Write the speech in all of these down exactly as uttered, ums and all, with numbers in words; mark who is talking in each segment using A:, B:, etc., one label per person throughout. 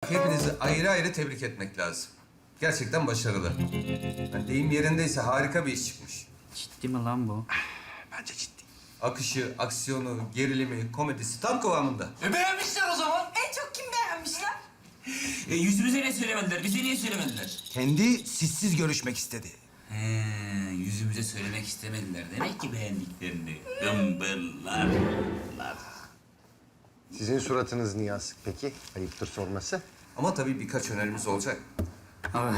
A: hepinizi ayrı ayrı tebrik etmek lazım. Gerçekten başarılı. Yani deyim yerindeyse harika bir iş çıkmış.
B: Ciddi mi lan bu?
C: Bence ciddi.
A: Akışı, aksiyonu, gerilimi, komedisi tam kıvamında.
C: E beğenmişler o zaman.
D: En çok kim beğenmişler?
E: E, yüzümüze ne söylemediler, bize niye söylemediler?
C: Kendi sizsiz görüşmek istedi.
E: He, yüzümüze söylemek istemediler. Demek ki beğendiklerini. Gımbırlar.
F: Sizin suratınız niye asık peki? Ayıptır sorması.
A: Ama tabii birkaç önerimiz olacak.
B: Abi.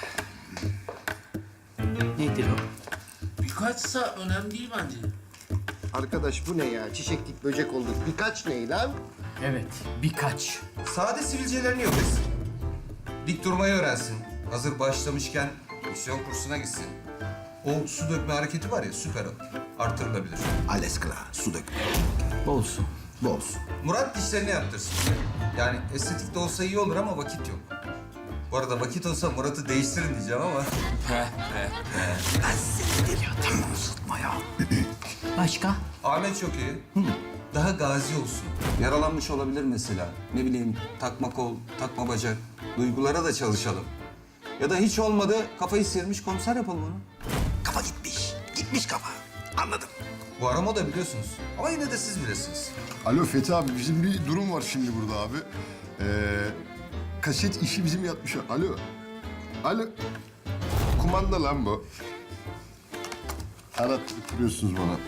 B: Nedir o?
G: Birkaçsa önemli değil bence.
F: Arkadaş bu ne ya? Çiçeklik böcek olduk. Birkaç ne lan?
B: Evet, birkaç.
A: Sade sivilcelerini yok etsin. Dik durmayı öğrensin. Hazır başlamışken misyon kursuna gitsin. O su dökme hareketi var ya, süper o. Artırılabilir.
C: Alles klar, su dökme.
B: Olsun.
C: Bu olsun.
A: Murat dişlerini yaptırsın. Yani estetik de olsa iyi olur ama vakit yok. Bu arada vakit olsa Murat'ı değiştirin diyeceğim ama...
C: Ben seni deliyordum. Uzatma ya.
B: Başka?
A: Ahmet çok iyi. Daha gazi olsun. Yaralanmış olabilir mesela. Ne bileyim takma kol, takma bacak. Duygulara da çalışalım. Ya da hiç olmadı kafayı sıyırmış komiser yapalım onu.
C: Kafa gitmiş. Gitmiş kafa. Anladım.
A: Bu arama da biliyorsunuz. Ama yine de siz bilirsiniz.
H: Alo Fethi abi, bizim bir durum var şimdi burada abi. Ee, kaset işi bizim yatmış. Alo. Alo. Kumanda lan bu. Arattırıp duruyorsunuz bana.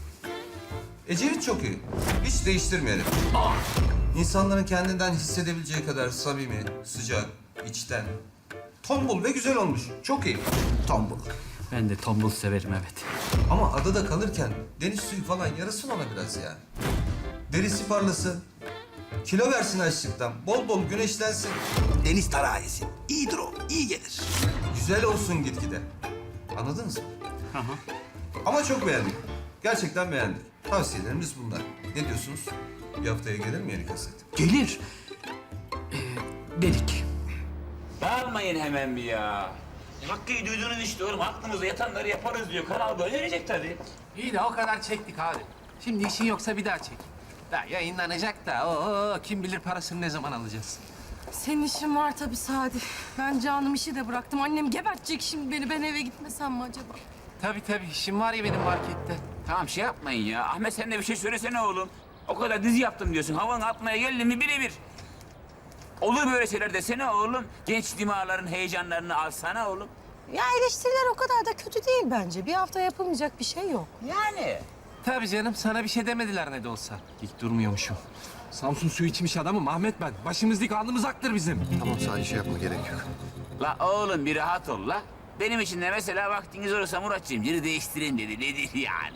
A: Ecevit çok iyi. Hiç değiştirmeyelim. İnsanların kendinden hissedebileceği kadar samimi, sıcak, içten. Tombul ve güzel olmuş. Çok iyi.
C: Tombul.
B: Ben de tombul severim evet.
A: Ama adada kalırken deniz suyu falan yarasın ona biraz ya. Derisi parlasın. Kilo versin açlıktan. Bol bol güneşlensin.
C: Deniz tarağı yesin. İyidir o. İyi gelir.
A: Güzel olsun gitgide. Anladınız mı? Ama çok beğendik. Gerçekten beğendik. Tavsiyelerimiz bunlar. Ne diyorsunuz? Bir haftaya gelir mi yeni kaset?
B: Gelir. Ee, dedik.
E: Bağırmayın hemen bir ya. Hakkı'yı duydunuz işte oğlum. Aklımıza yatanları yaparız diyor. Kanal böyle verecek tabii.
I: İyi de o kadar çektik abi. Şimdi işin yoksa bir daha çek. Daha yayınlanacak da oo, kim bilir parasını ne zaman alacağız.
D: Senin işin var tabii Sadi. Ben canım işi de bıraktım. Annem gebertecek şimdi beni. Ben eve gitmesem mi acaba?
I: Tabii tabii işim var ya benim markette.
E: Tamam şey yapmayın ya. Ahmet sen de bir şey söylesene oğlum. O kadar dizi yaptım diyorsun. Havanı atmaya geldin mi birebir. Olur böyle şeyler desene oğlum. Genç dimağların heyecanlarını alsana oğlum.
D: Ya eleştiriler o kadar da kötü değil bence. Bir hafta yapılmayacak bir şey yok.
E: Yani.
I: Tabii canım sana bir şey demediler ne de olsa. Dik durmuyormuşum. Samsun suyu içmiş adamım Ahmet ben. Başımız dik alnımız aktır bizim.
F: Tamam sadece şey yapma gerek yok.
E: La oğlum bir rahat ol la. Benim için de mesela vaktiniz olursa Muratcığım yeri değiştireyim dedi. Nedir yani?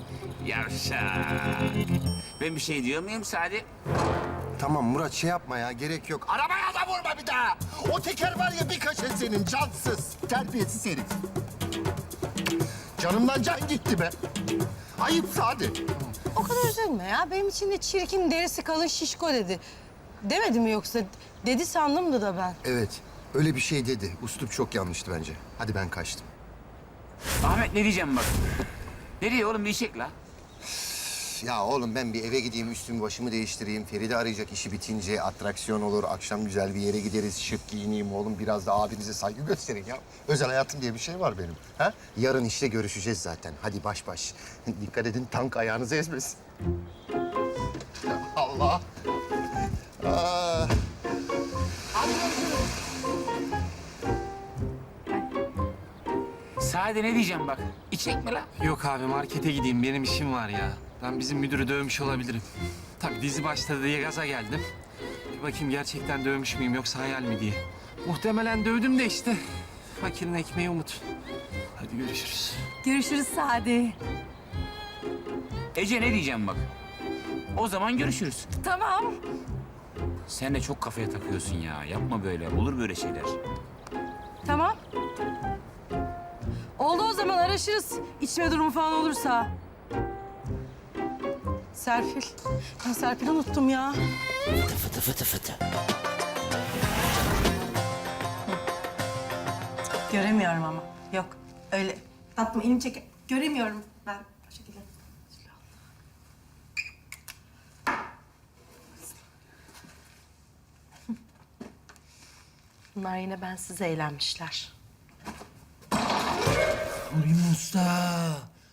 E: Yavşak. Ben bir şey diyor muyum Sadi?
F: Tamam Murat şey yapma ya gerek yok.
C: Arabaya da vurma bir daha. O teker var ya bir kaşe senin cansız. Terbiyesiz herif. Canımdan can gitti be. Ayıp Sadi.
D: O kadar üzülme ya. Benim için de çirkin, derisi kalın, şişko dedi. Demedi mi yoksa? Dedi sandımdı da ben.
F: Evet öyle bir şey dedi. Uslup çok yanlıştı bence. Hadi ben kaçtım.
E: Ahmet ne diyeceğim bak. Nereye oğlum bir çek la.
F: Ya oğlum ben bir eve gideyim, üstümü başımı değiştireyim. Feride arayacak işi bitince atraksiyon olur. Akşam güzel bir yere gideriz, şık giyineyim oğlum. Biraz da abinize saygı gösterin ya. Özel hayatım diye bir şey var benim. Ha? Yarın işte görüşeceğiz zaten. Hadi baş baş. Dikkat edin tank ayağınızı ezmesin. Ya Allah. Aa.
E: Sadi ne diyeceğim bak. İçek mi la?
I: Yok abi markete gideyim benim işim var ya. Ben bizim müdürü dövmüş olabilirim. Tabii dizi başladı diye gaza geldim. Bir bakayım gerçekten dövmüş müyüm yoksa hayal mi diye. Muhtemelen dövdüm de işte. Fakirin ekmeği umut. Hadi görüşürüz.
D: Görüşürüz Sadi.
E: Ece ne diyeceğim bak. O zaman görüşürüz.
D: Tamam.
E: Sen de çok kafaya takıyorsun ya. Yapma böyle. Olur böyle şeyler.
D: Tamam. Oldu o zaman araşırız. İçme durumu falan olursa. Serpil. Ben Serpil'i unuttum ya.
E: Fıtı fıtı fıtı.
D: Göremiyorum ama. Yok. Öyle. Tatlım elimi çek. Göremiyorum ben o şekilde. Bunlar yine bensiz eğlenmişler.
I: Uyum usta.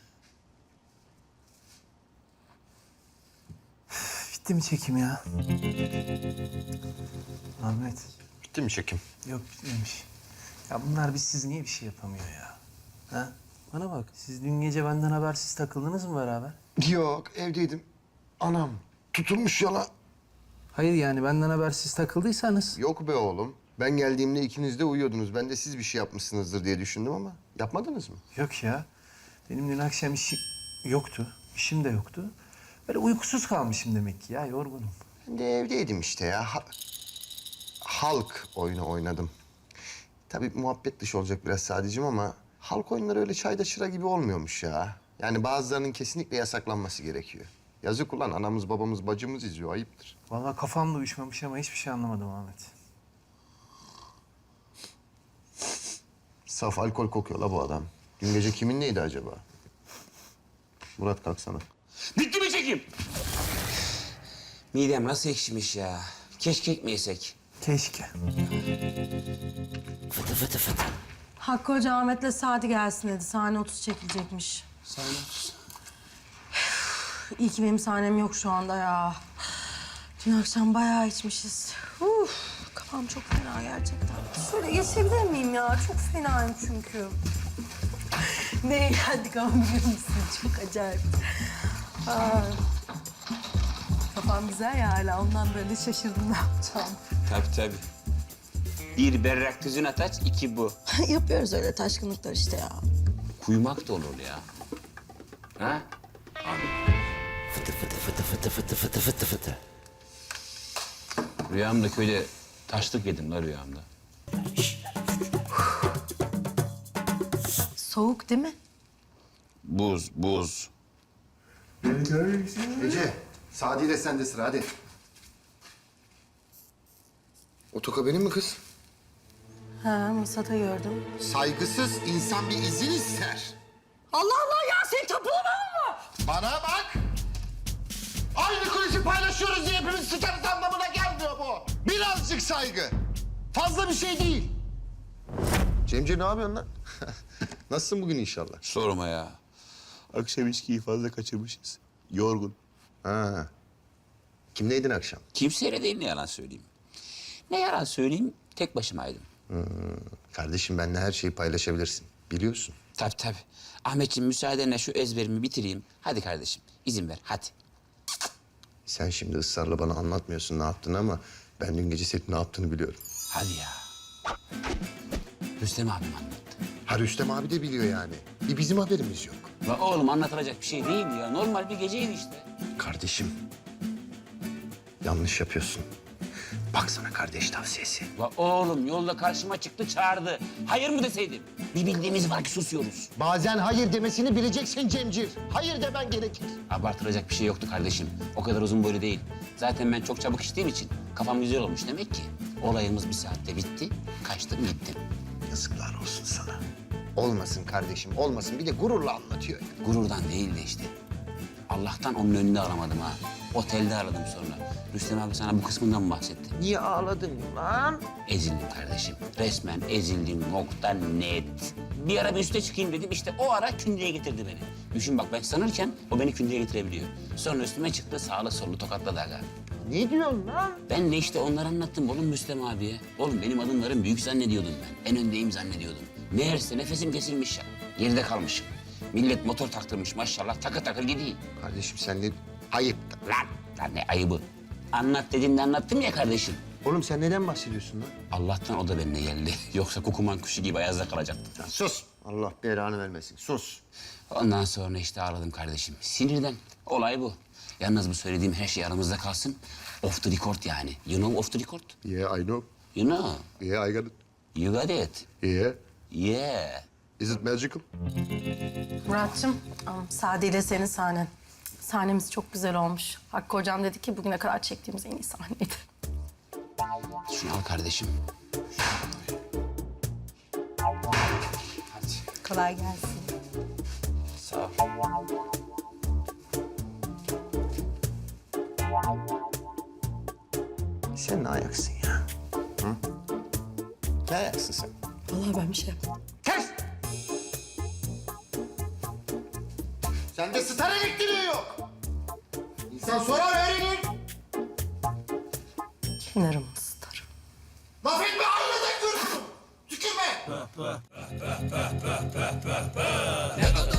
I: Bitti mi çekim ya? Ahmet.
F: Bitti mi çekim?
I: Yok bitmemiş. Ya bunlar biz siz niye bir şey yapamıyor ya? Ha? Bana bak siz dün gece benden habersiz takıldınız mı beraber?
F: Yok, evdeydim. Anam tutulmuş yola.
I: Hayır yani benden habersiz takıldıysanız.
F: Yok be oğlum. Ben geldiğimde ikiniz de uyuyordunuz. Ben de siz bir şey yapmışsınızdır diye düşündüm ama yapmadınız mı?
I: Yok ya. Benim dün akşam işim yoktu. İşim de yoktu. Böyle uykusuz kalmışım demek ki ya yorgunum.
F: Ben de evdeydim işte ya. Ha- halk oyunu oynadım. Tabii muhabbet dışı olacak biraz sadece ama halk oyunları öyle çayda çıra gibi olmuyormuş ya. Yani bazılarının kesinlikle yasaklanması gerekiyor. Yazık ulan anamız babamız bacımız izliyor ayıptır.
I: Vallahi kafam da uyuşmamış ama hiçbir şey anlamadım Ahmet.
F: Saf alkol kokuyor la bu adam. Dün gece kimin neydi acaba? Murat kalksana.
E: Bitti mi çekim? Midem nasıl ekşimiş ya. Keşke ekmeysek.
I: Keşke.
E: Fıtı fıtı fıtı.
D: Hakkı Hoca Ahmet'le Sadi gelsin dedi. Sahne otuz çekilecekmiş.
E: Sahne otuz.
D: İyi ki benim sahnem yok şu anda ya. Dün akşam bayağı içmişiz. Uf, kafam çok fena gerçekten. Şöyle geçebilir miyim ya? Çok fenayım çünkü. Ne eğlendik ama biliyor musun? Çok acayip. Aa, kafam güzel ya hala. Ondan böyle şaşırdım ne yapacağım.
E: Tabii tabii. Bir berrak tüzün ataç, iki bu.
D: Yapıyoruz öyle taşkınlıklar işte ya.
E: Kuyumak da olur ya. Ha? Abi. Fıtı fıtı fıtı fıtı fıtı fıtı fıtı fıtı. Rüyamda köyde taşlık yedim la rüyamda.
D: Soğuk değil mi?
E: Buz, buz.
F: Ece, Sadi ile sende sıra hadi. O toka benim mi kız?
D: Ha, masada gördüm.
C: Saygısız insan bir izin ister.
D: Allah Allah ya sen tapulama mı?
C: Bana bak. Aynı kulisi paylaşıyoruz diye hepimiz sıçarız anlamına gelmiyor bu. Birazcık saygı. Fazla bir şey değil.
F: Cemce ne yapıyorsun lan? Nasılsın bugün inşallah?
E: Sorma ya. Akşam içkiyi fazla kaçırmışız. Yorgun.
F: Ha. Kimleydin akşam?
E: Kimseyle değil ne yalan söyleyeyim. Ne yalan söyleyeyim, tek başımaydım.
F: Kardeşim benimle her şeyi paylaşabilirsin. Biliyorsun.
E: Tabii tabii. Ahmetciğim müsaadenle şu ezberimi bitireyim. Hadi kardeşim, izin ver, hadi.
F: Sen şimdi ısrarla bana anlatmıyorsun ne yaptığını ama ben dün gece senin ne yaptığını biliyorum.
E: Hadi ya. Rüstem abim anlattı.
F: Ha Rüstem abi de biliyor yani. Bir bizim haberimiz yok.
E: La oğlum anlatılacak bir şey değil ya. Normal bir geceydi işte.
F: Kardeşim. Yanlış yapıyorsun. Bak sana kardeş tavsiyesi.
E: La oğlum yolda karşıma çıktı çağırdı. Hayır mı deseydim? Bir bildiğimiz var ki susuyoruz.
C: Bazen hayır demesini bileceksin Cemcir. Hayır demen gerekir.
E: Abartılacak bir şey yoktu kardeşim. O kadar uzun boylu değil. Zaten ben çok çabuk içtiğim için kafam güzel olmuş demek ki. Olayımız bir saatte bitti. Kaçtım gittim.
F: Yazıklar olsun sana. Olmasın kardeşim, olmasın. Bir de gururla anlatıyor. ya.
E: Gururdan değil de işte. Allah'tan onun önünde aramadım ha. Otelde aradım sonra. Rüstem abi sana bu kısmından mı bahsetti?
F: Niye ağladın lan?
E: Ezildim kardeşim. Resmen ezildim. Nokta net. Bir ara bir üste çıkayım dedim. İşte o ara kündeye getirdi beni. Düşün bak ben sanırken o beni kündeye getirebiliyor. Sonra üstüme çıktı sağlı sollu tokatladı aga.
C: Ne diyorsun lan?
E: Ben de işte onları anlattım oğlum Rüstem abiye. Oğlum benim adımlarım büyük zannediyordum ben. En öndeyim zannediyordum. Meğerse nefesim kesilmiş ya. Geride kalmışım. Millet motor taktırmış maşallah takır takır gideyim.
F: Kardeşim sen ne... Ayıp.
E: Lan, lan ne ayıbı. Anlat dediğimde anlattım ya kardeşim.
F: Oğlum sen neden bahsediyorsun lan?
E: Allah'tan o da benimle geldi. Yoksa kukuman kuşu gibi ayazda kalacaktım.
F: Ya sus. Allah belanı vermesin. Sus.
E: Ondan sonra işte ağladım kardeşim. Sinirden. Olay bu. Yalnız bu söylediğim her şey aramızda kalsın. Off the record yani. You know off the record?
F: Yeah, I know.
E: You know.
F: Yeah, I got it.
E: You got it.
F: Yeah.
E: Yeah.
F: Is it magical?
D: Murat'cığım, am, Sadi ile senin sahnen. Sahnemiz çok güzel olmuş. Hakkı Hocam dedi ki bugüne kadar çektiğimiz en iyi sahneydi.
E: Şunu al kardeşim. Hadi.
D: Kolay gelsin.
E: Sağ ol.
F: Sen ne ayaksın ya? Hı? Ne ayaksın sen?
D: Vallahi ben bir şey yapmadım.
C: Kes! Sende star elektriği yok. İnsan sorar öğrenir.
D: Kenarım ısıtarım.
C: Laf etme aynadan görürsün. Tükürme.